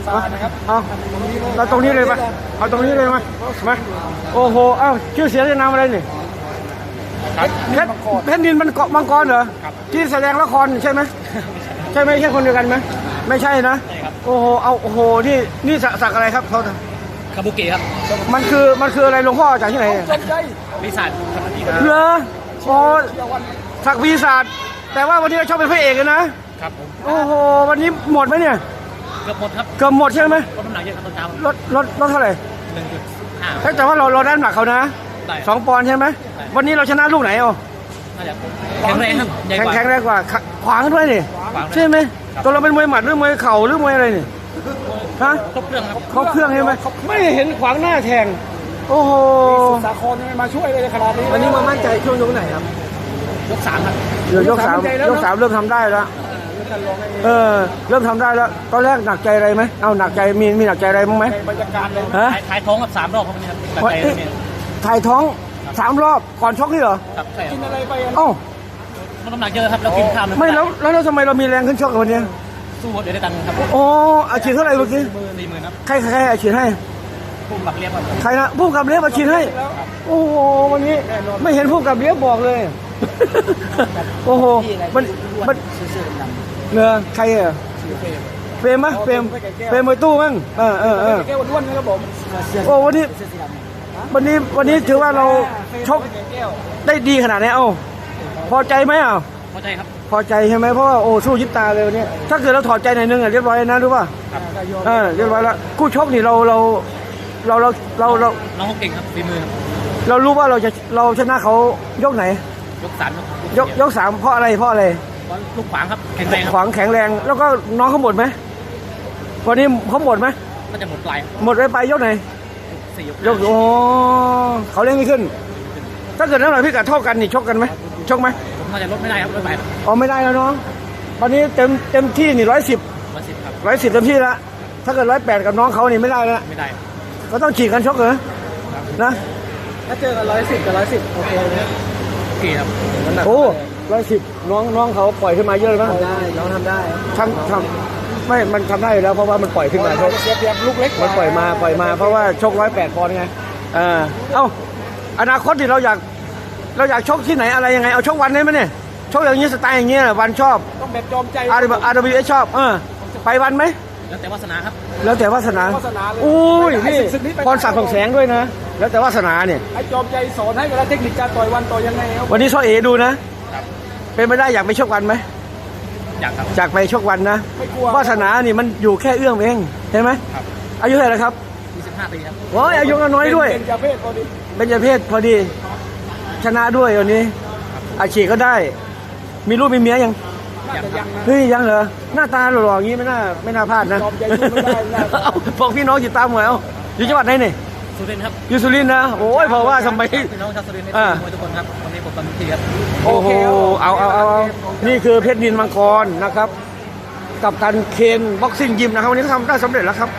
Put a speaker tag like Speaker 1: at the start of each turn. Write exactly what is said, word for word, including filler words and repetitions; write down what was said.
Speaker 1: ตานะครับ
Speaker 2: เอาเราตรงนี้เลยไหมเอาตรงนี้เลยไหมมาโอ้โหเอ้าชื่อเสียงเรียงนามอะไรนี่เพชรเพชรนินมันเกาะมังกรเหรอที่แสดงละครใช่ไหมใช่ไหมใช่คนเดียวกันไหมไม่ใช่นะโอ้โหเอาโอ้โหนี่นี่สักอะไรครับเขา
Speaker 3: คาบุเกะครับ
Speaker 2: มันคือมันคืออะไรหลวงพ่อจากที่ไหน
Speaker 1: จมใจ
Speaker 3: วิสัทครับ
Speaker 2: เหรอโอ้สักวีศาสตร์แต่ว่าวันนี้เราชอบเป็นพระเอกเลยนะครับ
Speaker 3: ผม
Speaker 2: โอ้โหวันนี้หมดไหมเนี่ย
Speaker 3: เกือบหมดครับ
Speaker 2: เกือบหมดใช่ไหม
Speaker 3: ลดน้ำหนักเยอะครับตอนเช้า
Speaker 2: ลดลดลดเท่าไหร่
Speaker 3: หนึ่งจุดห้า
Speaker 2: แต่ว่าเราเราได้น้ำหนักเขานะ
Speaker 3: ได้
Speaker 2: สองปอนด์ใช่ไหมวันนี้เราชนะลูกไหนอ่ะ
Speaker 3: น่าจะแข็งแรงครับใหญ่
Speaker 2: แข็
Speaker 3: ก
Speaker 2: ง
Speaker 3: ว่า
Speaker 2: แข็งแรงกว่าขขวางด้วยนี่
Speaker 3: ขวางด้วย
Speaker 2: ใช่ไหมตัวเราเป็นมวยหมัดหรือมวยเข่าหรือมวยอะไรนี่ฮะ
Speaker 3: ครบเครื่องครับ
Speaker 2: เขาเครื่องใช่ไหมไม่เห็นขวางหน้าแทงโอ้โห
Speaker 1: สาครยังไม่มาช่วยเลยขนาดนี้
Speaker 2: วันนี้มามั่นใจช่วงยกไหนครับ
Speaker 3: ยกสามครับ
Speaker 2: เดี๋ยวยกสามยกสามเริ่มทำได้แล้วเออเริ่มทำได้แล้วตอนแรกหนักใจอะไรไหมเอาหนักใจมีมีหนักใจอะไรบ้างไหม
Speaker 1: บรรยากาศเลย
Speaker 2: ฮะ
Speaker 3: ถ่ายท้องครับสามรอบครับวันนี้ครับตัด
Speaker 2: ว่า
Speaker 3: ใจ
Speaker 2: เอ๊ะ
Speaker 3: เนี่ย
Speaker 2: ถ่ายท้องสามรอบก่อนชกนี่เหรอ
Speaker 3: ครับใช่ค
Speaker 1: กิน
Speaker 3: รับ
Speaker 1: อะไรไปอ่ะ
Speaker 2: เอ้า
Speaker 3: ลดน้ำหนักเยอะครับแล้วกินข้าว
Speaker 2: ไม่แล้วแล้วแล้วทำไมเรามีแรงขึ้นชกกับวันนี้
Speaker 3: สู้เดี๋ยวได้ตังค์ครับ
Speaker 2: โอ้อาชีพเท่าไหร่เมื่อกี้
Speaker 3: สี่หมื่นครับ
Speaker 2: ใครใครใครอาชีพให้
Speaker 3: พุ่มหลักเรียบครับ
Speaker 2: ใครนะผู้กำกับเลี้ยบอาชีพให้โอ้โหวันนี้ไม่เห็นผู้กำกับเลี้ยบบอกเลย โอ้โหมันมันเนื้อใครอ่ะเฟรมไหมเฟรมเฟรมมวยตู้มั้งเออเออเออ
Speaker 1: แก้วล้วนนะครับผม
Speaker 2: โอ้วันนี้วันนี้วันนี้ถือว่าเราชกได้ดีขนาดนี้เอ้าพอใจไหมอ่ะ
Speaker 3: พอใจครับ
Speaker 2: พอใจใช่ไหมเพราะว่าโอ้สู้ยิบตาเลยวันนี้ถ้าเกิดเราถอดใจหน่อยนึงอ่ะเรียบร้อยนะรู้ป่ะเออเรียบร้อยแล้วคู่ชกนี่เราเราเราเราเราเรา
Speaker 3: น้องเขาเก่งครับฝีมือครับ
Speaker 2: เรารู้ว่าเราจะเราชนะเขายกไหน
Speaker 3: ยกสาม
Speaker 2: ยกยกสามเพราะอะไรเพราะอะไร
Speaker 3: ลูกขวางครับแข็งแรงค
Speaker 2: ข
Speaker 3: รับ
Speaker 2: วางแข็งแรงแล้วก็น้องเขาหมดไหมวันนี้เขาหมดไหม
Speaker 3: ก็จะหมดปลาย
Speaker 2: หมดไปไปยกไหน
Speaker 3: สี่ยก
Speaker 2: ยกโอ้เขาเล่นไม่ขึ้น ถ้าเกิดน้ำหนักพิกัดเท่ากันนี่ชกกันไหมชกไหม
Speaker 3: ผมน่าจะลดไม่ได้ครับลดไป
Speaker 2: อ๋อไม่ได้แล้วน้องวันนี้เต็มเต็มที่นี่ร้อยสิบ
Speaker 3: วันสิบครับ
Speaker 2: ร้อยสิบเต็มที่แล้วถ้าเกิดร้อยแปดกับน้องเขานี่ไม่ได้แล้ว
Speaker 3: ไม่ได้
Speaker 2: ก็ต้องฉีกกันชกเหรอนะ
Speaker 1: ถ้าเจอกันร้อยสิบกับร้อยสิบโอเคเลย
Speaker 3: โอเคครับ
Speaker 2: โอ้ร้อยสิบน้องน้องเขาปล่อยขึ้นมาเยอะเลยมั้ง
Speaker 1: ได้น้องทำได้
Speaker 2: ทำทำไม่มันทำได้อยู่แล้วเพราะว่ามันปล่อยขึ้นมาชก
Speaker 1: เสียเปรียบลูกเล็ก
Speaker 2: มันปล่อยมาปล่อยมาเพราะว่าชกร้อยแปดปอนด์ไงเออเอ้าอนาคตที่เราอยากเราอยากชกที่ไหนอะไรยังไงเอาชกวันได้ไหมเนี่ยชกอย่างนี้สไตล์อย่างเงี้ยวันชอบ
Speaker 1: ต้องแบบจอมใจ
Speaker 2: อาร์อาร์ดับเบิลยูชอบเออไปวันไหม
Speaker 3: แล้วแต่วาสนาครับ
Speaker 2: แล้วแต่วาสนา
Speaker 1: วาสนาเลย
Speaker 2: อุ้ยนี่พรศักดิ์ของแสงด้วยนะ แล้วแต่วาสนาเนี่ย
Speaker 1: ไอ้จอมใจสอนให้เวลาเทคนิคการต่อยวันต่อยยังไงครับ
Speaker 2: วันนี้ช่อเอดูนะ
Speaker 3: ครับ
Speaker 2: เป็นไปได้อยากไปชกวันไหม
Speaker 3: อยากครับ
Speaker 2: อยากไปชกวันนะ
Speaker 1: ไม่กลัว
Speaker 2: วาสนานี่มันอยู่แค่เอื้อมเองเห็นไหม
Speaker 3: ครับ
Speaker 2: อายุเท่าไหร่ครับ
Speaker 3: ยี่สิบห้าปีครับ
Speaker 2: โอ้ยอายุน้อยด้วย
Speaker 1: เป็นจาเพศพอดี
Speaker 2: เป็นประเภทพอดี ชนะด้วยวันนี้ อาชีพก็ได้ มีลูกมีเมียยัง
Speaker 1: น่าจะยังนะ
Speaker 2: เฮ้ยยังเหรอหน้าตาหล่อๆอย่างนี้ไม่น่าไม่น่าพลาดนะ
Speaker 1: ยอมใจสู้ไม่ได้นะ
Speaker 2: เอาบอกพี่น้องติดตามหน่อยเอาอยู่จังหวัดไหนนี่
Speaker 3: สุรินทร์ครับ
Speaker 2: อยู่สุรินทร์นะโอ้ยเพราะว่าทำไม
Speaker 3: พี่น้องชาวสุรินทร์ใน
Speaker 2: อ่า
Speaker 3: มวยทุกคนครับวันนี้ผมทำทีครับ
Speaker 2: โอ้โหเอาเอาเอาเอานี่คือเพชรนินมังกรนะครับ กับการเคนบ็อกซิ่งยิมนะครับวันนี้ทำได้สำเร็จแล้วครับ